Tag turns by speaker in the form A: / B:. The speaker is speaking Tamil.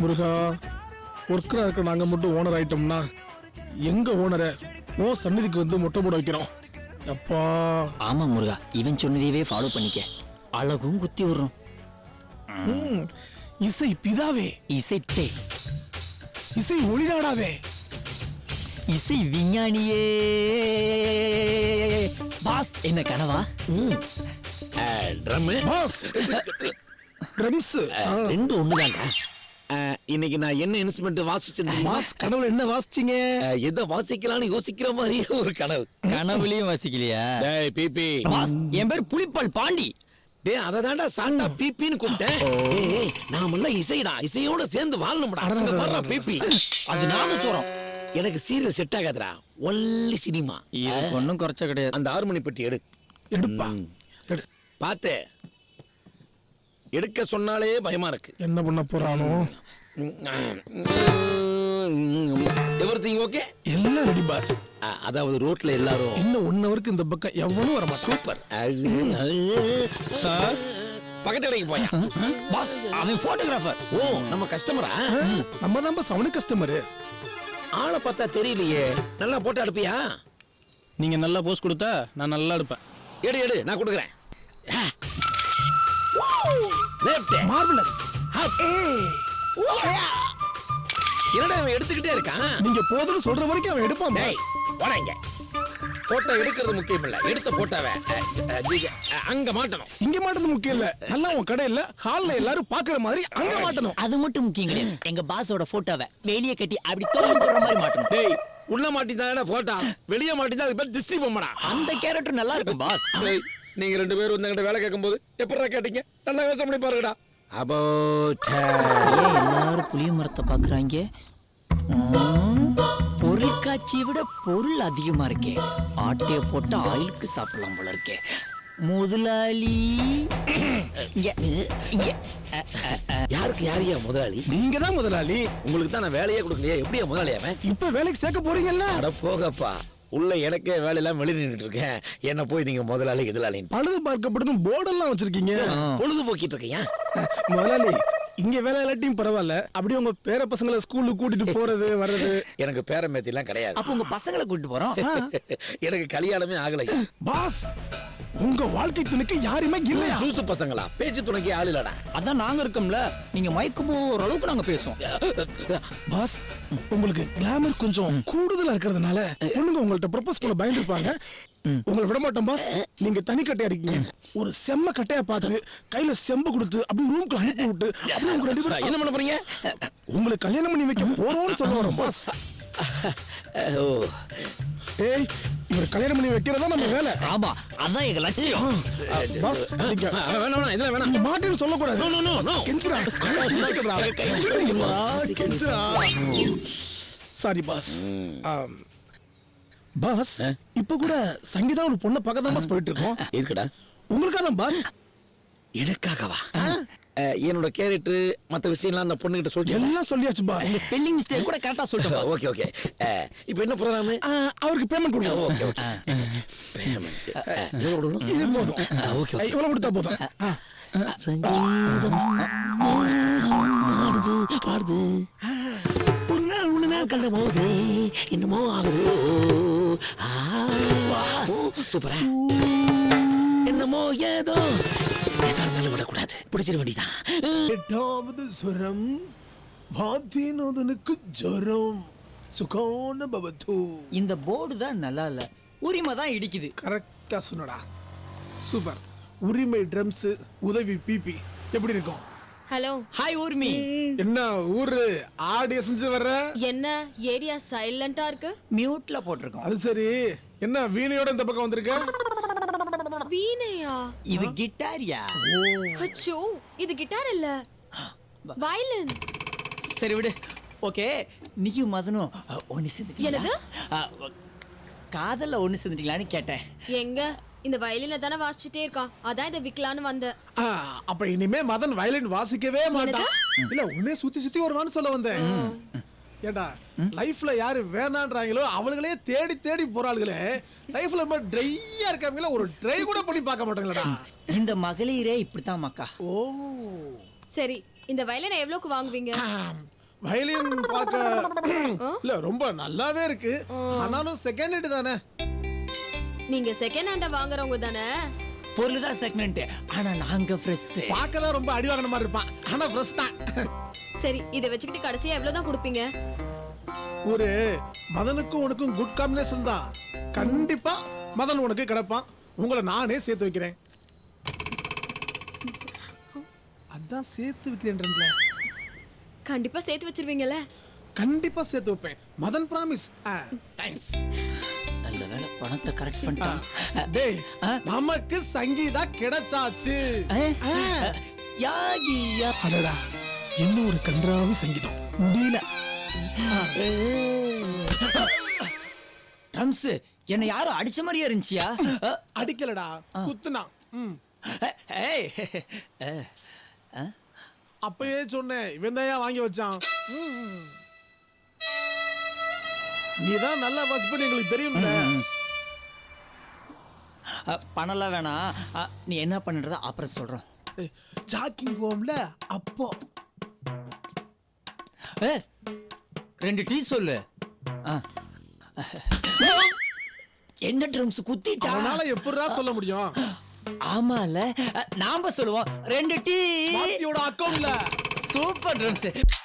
A: முருகா, ஒர்க்கரா இருக்க நாங்க மட்டும் ஓனர் ஆயிட்டோம்னா எங்க ஓனரை ஓ சந்நிதிக்கு வந்து மொட்டை போட வைக்கிறோம். அப்பா
B: ஆமா முருகா, இவன் சொன்னதையவே ஃபாலோ பண்ணிக்க. அழகும் குத்தி விடுறோம்.
A: இசை பிதாவே,
B: இசைத்தே,
A: இசை ஒளிநாடாவே,
B: இசை விஞ்ஞானியே. பாஸ் என்ன கனவா?
C: ட்ரம்
A: பாஸ் ட்ரம்ஸ்
C: ரெண்டு ஒண்ணுதான்டா. இன்னைக்கு நான் என்ன இன்ஸ்ட்ருமெண்ட் வாசிச்சேன்?
A: பாஸ் கனவுல என்ன வாசிச்சீங்க?
C: எதை வாசிக்கலாம்னு யோசிக்கிற மாதிரியே ஒரு கனவு.
B: கனவுலயும் வாசிக்கலையா?
C: டேய் பிபி.
B: பாஸ் என் பேர் புலிப்பால் பாண்டி.
C: டேய் அத தான்டா சாண்டா பிபின்னு கூப்பிட்டேன். ஏய் நாமெல்லாம் இசைடா, இசையோட சேர்ந்து வாழணும்டா. அங்க பாருடா பிபி.
B: அது நாதஸ்வரம்.
C: எனக்கு சீரியல் செட் ஆகாதுடா, ஒன்லி சினிமா.
B: இது ஒன்றும் குறைச்ச கிடையாது.
C: அந்த 6 மணி பெட்டி எடு.
A: எடுப்பா எடு.
C: பாத்து எடுக்க சொன்னாலே பயமா இருக்கு.
A: என்ன பண்ண போறானோ?
C: Everything okay?
A: எல்லாம் ரெடி பாஸ்.
C: அதாவது ரோட்ல எல்லாரும்
A: இன்னும் 1 ஹவருக்கு இந்த பக்கம் எவனும் வர மாட்டான்.
C: சூப்பர்
A: சார்
C: பக்கத்து கடைக்கு போயா?
B: பாஸ் அவன் போட்டோகிராஃபர்.
C: ஓ நம்ம கஸ்டமரா?
A: நம்ம தான் பாஸ் அவனு கஸ்டமரு.
C: ஆளை பார்த்தா தெரியலையே. நல்லா போட்டோ எடுப்பியா?
A: நீங்க நல்லா போஸ் கொடுத்தா நான் நல்லா எடுப்பேன்.
C: எடு எடு, நான் கொடுக்குறேன். Left
A: marvellous.
C: என்னடா அவன் எடுத்துக்கிட்டே இருக்கான்?
A: நீங்க போதுன்னு சொல்ற வரைக்கும் அவன் எடுப்பான்
C: டேய்
A: பாஸ்.
C: போறேங்க. போட்டோ எடுக்கிறது முக்கியம் இல்ல, எடுத்த போட்டோவை அங்க மாட்டணும்.
A: இங்க மாட்டது முக்கியம் இல்ல, நல்லா உன் கடையில ஹால்ல எல்லாரும் பாக்குற மாதிரி அங்க மாட்டணும்.
B: அது மட்டும் முக்கியம் கிடையாது. எங்க பாஸோட போட்டோவை வெளியே கட்டி அப்படி தோல் போடுற மாதிரி மாட்டணும்.
C: டேய் உள்ள மாட்டிதானே போட்டோ, வெளியே மாட்டிதான் அதுக்கு பேர் திஸ்தி பொம்மடா.
B: அந்த கேரக்டர் நல்லா இருக்கும் பாஸ்.
C: டேய் நீங்க 2 பேரும் வந்து வேலை கேட்கும்போது எப்படிடா கேட்டீங்க? நல்லா யோசனை பண்ணி பாருங்கடா.
B: ஏன் எல்லாரும் புளிய மரத்தை பாக்குறாங்க? பொருள் காட்சியை விட பொருள் அதிகமா இருக்கே. ஆட்டைய போட்டு ஆயிலுக்கு சாப்பிடலாம் போல இருக்கே. முதலாளி இங்க இங்க.
C: யாருக்கு யாரையா முதலாளி?
A: நீங்க தான் முதலாளி.
C: உங்களுக்கு தான் நான் வேலையே கொடுக்கலையா? எப்படியா முதலாளி அவன்?
A: இப்ப வேலைக்கு சேர்க்க போறீங்கல்ல?
C: அட போகப்பா, உள்ள எனக்கே வேலையெல்லாம் வெளியே நின்றுட்டு இருக்கேன். என்ன போய் நீங்க முதலாளி எதிராளின்னு
A: பழுது பார்க்கப்படும் போர்டெல்லாம் வச்சிருக்கீங்க.
C: பொழுதுபோக்கிட்டு இருக்கியா?
A: முதலாளி இங்க வேலை இல்லாட்டியும் பரவாயில்ல, அப்படியே உங்க பேர பசங்களை ஸ்கூலுக்கு கூட்டிட்டு போறது வர்றது.
C: எனக்கு பேரம்பேத்தி எல்லாம் கிடையாது.
B: அப்ப உங்க பசங்களை கூட்டிட்டு போறோம்.
C: எனக்கு கல்யாணமே ஆகலை.
A: பாஸ் உங்க வாழ்க்கை துணைக்கு யாருமே இல்லையா?
C: லூசு பசங்களா? பேச்சு துணைக்கு ஆள் இல்லடா.
B: அதான் நாங்க இருக்கோம்ல. நீங்க மயக்கம் போற அளவுக்கு நாங்க பேசுவோம்.
A: பாஸ் உங்களுக்கு கிளாமர் கொஞ்சம் கூடுதலா இருக்கிறதுனால பொண்ணுங்க உங்கள்ட்ட ப்ரொபோஸ் பண்ண பயந்துருப்பாங்க. உங்களை விட மாட்டோம் பாஸ். நீங்க தனி கட்டையா இருக்கீங்க. ஒரு செம்ம கட்டையா பார்த்து கையில செம்பு கொடுத்து அப்படியே ரூம்க்கு அனுப்பி விட்டு அப்படியே உங்க 2 பேரும்
C: என்ன பண்ண போறீங்க?
A: உங்களுக்கு கல்யாணம் பண்ணி வைக்க போறோம்னு சொல்ல வரோம் பாஸ். ஏய் இவர் கல்யாணம் பண்ணி வைக்கிறதா நம்ம வேலை.
B: ஆமா அதான் எங்க லட்சியம்.
A: பாஸ் நீங்க
C: வேணாம் இதெல்லாம் வேணாம்.
A: நீங்க மாட்டேன்னு சொல்லக்கூடாது.
C: No no no.
A: கெஞ்சுடா கெஞ்சுடா. Sorry boss. பாஸ் இப்ப கூட சங்கீதா ஒரு பொண்ணை பக்கத்துல பாஸ் போயிட்டு இருக்கோம்.
C: இருக்குடா.
A: உங்களுக்காக தான் பாஸ்.
C: எனக்காகவா? என்னோட கேரக்டர் மத்த விஷயம்லாம் அந்த பொண்ணுகிட்ட சொல்லிட்டு
A: எல்லாம் சொல்லியாச்சு பாஸ்.
B: உங்க ஸ்பெல்லிங் மிஸ்டேக் கூட கரெக்டா சொல்லிட்டோம்.
C: Okay okay. இப்போ என்ன ப்ரோகிராம்?
A: அவருக்கு பேமெண்ட் கொடுங்க.
C: Okay okay. பேமெண்ட் எவ்வளவு கொடுக்கணும்?
A: இது போதும்.
C: Okay okay.
A: இவ்வளவு கொடுத்தா போதும்.
C: சங்கீதம் ஆடுது ஆடுது. ஒரு நாள் கண்ட போது என்னமோ ஆகுது. சூப்பரா. என்னமோ ஏதோ ஏதோ இருந்தாலும் விடக்கூடாது. பிடிச்சிட வேண்டியதான்.
A: 8வது சுரம் வாத்தினோதனுக்கு ஜரம் சுகான பவத்து.
B: இந்த போர்டு தான் நல்லா இல்ல, உரிமை தான் இடிக்குது.
A: கரெக்டா சொன்னடா. சூப்பர். உரிமை ட்ரம்ஸ், உதவி பிபி எப்படி இருக்கும்?
D: ஹலோ.
B: ஹாய் ஊர்மி.
A: என்ன ஊரு ஆடி செஞ்சு வர்ற?
D: என்ன ஏரியா சைலண்டா இருக்கு?
B: மியூட்ல போட்டிருக்கோம்.
A: அது சரி, என்ன வீணையோட இந்த பக்கம் வந்திருக்க?
D: வீணையா?
B: இது கிட்டாரியா?
D: அச்சோ இது கிட்டார் இல்ல, வயலின்.
B: சரி விடு. ஓகே நீயும் மதனும் ஒன்னு சேர்ந்துட்டீங்களா?
D: என்னது?
B: காதல்ல ஒன்னு சேர்ந்துட்டீங்களான்னு கேட்டேன்.
D: எங்க இந்த வயலினை தானே வாசிச்சுட்டே இருக்கான், அதான் இதை விக்கலான்னு வந்தேன்.
A: அப்ப இனிமே மதன் வயலின் வாசிக்கவே மாட்டான். இல்ல உன்னே சுத்தி சுத்தி வருவான்னு சொல்ல வந்தேன். ஏண்டா லைஃப்ல யாரு வேணான்றாங்களோ அவங்களே தேடி தேடி போறாளுகளே. லைஃப்ல ரொம்ப ட்ரையா இருக்காங்களா, ஒரு ட்ரை கூட பண்ணி பார்க்க மாட்டாங்களா?
B: இந்த மகளிரே இப்படித்தான் மக்கா.
A: ஓ
D: சரி இந்த வயலினை எவ்வளவுக்கு வாங்குவீங்க?
A: வயலின் பார்க்க இல்ல ரொம்ப நல்லாவே இருக்கு. ஆனாலும் செகண்ட் ஹேண்ட் தானே.
D: நீங்க செகண்ட் ஹேண்ட வாங்குறவங்க தானே?
B: பொருள் தான் செகண்ட், ஆனா நாங்க ஃப்ரெஷ்.
A: பார்க்க தான் ரொம்ப அடி வாங்கின மாதிரி இருப்பான், ஆனா ஃப்ரெஷ் தான்.
D: சரி, இதை வச்சுக்கிட்டு கடைசியா எவ்வளவுதான் கொடுப்பீங்க?
A: ஒரு மதனுக்கும் உனக்கும் குட் காம்பினேஷன் தான். கண்டிப்பா மதன் உனக்கு கிடைப்பான். உங்களை நானே சேர்த்து வைக்கிறேன். அதான் சேர்த்து வைக்கிறேன்றேன்ல.
D: கண்டிப்பா சேர்த்து வச்சிருவீங்கல்ல?
A: கண்டிப்பா சேர்த்து வைப்பேன். மதன் பிராமிஸ். தேங்க்ஸ்.
B: நல்ல வேளை பணத்தை கரெக்ட் பண்ணிட்டான்.
A: டேய், நமக்கு சங்கீதா கிடைச்சாச்சு.
B: யாகியா
A: அடடா, என்ன ஒரு கன்றாவி சங்கீதம். முடியல.
B: ட்ரம்ஸ் என்ன யாரும் அடிச்ச மாதிரியே இருந்துச்சியா?
A: அடிக்கலடா, குத்துனா.
B: ஏய்,
A: அப்பயே சொன்னேன், இவன் தான் வாங்கி வச்சான். நீதான் நல்லா வாட்ச் பண்ணி எங்களுக்கு தெரியும்ல.
B: பணம்லாம் வேணாம். நீ என்ன பண்ணுறத அப்புறம் சொல்கிறோம்.
A: ஜாக்கிங் போம்ல அப்போ
B: 2 டீ சொல்லு. என்ன ட்ரம்ஸ் குத்திட்டா?
A: அவனால எப்படிடா சொல்ல முடியும்?
B: ஆமால, நாம சொல்லுவோம் 2 டீ.
A: மாத்தியோட அக்கவுண்ட்ல.
B: Super drums.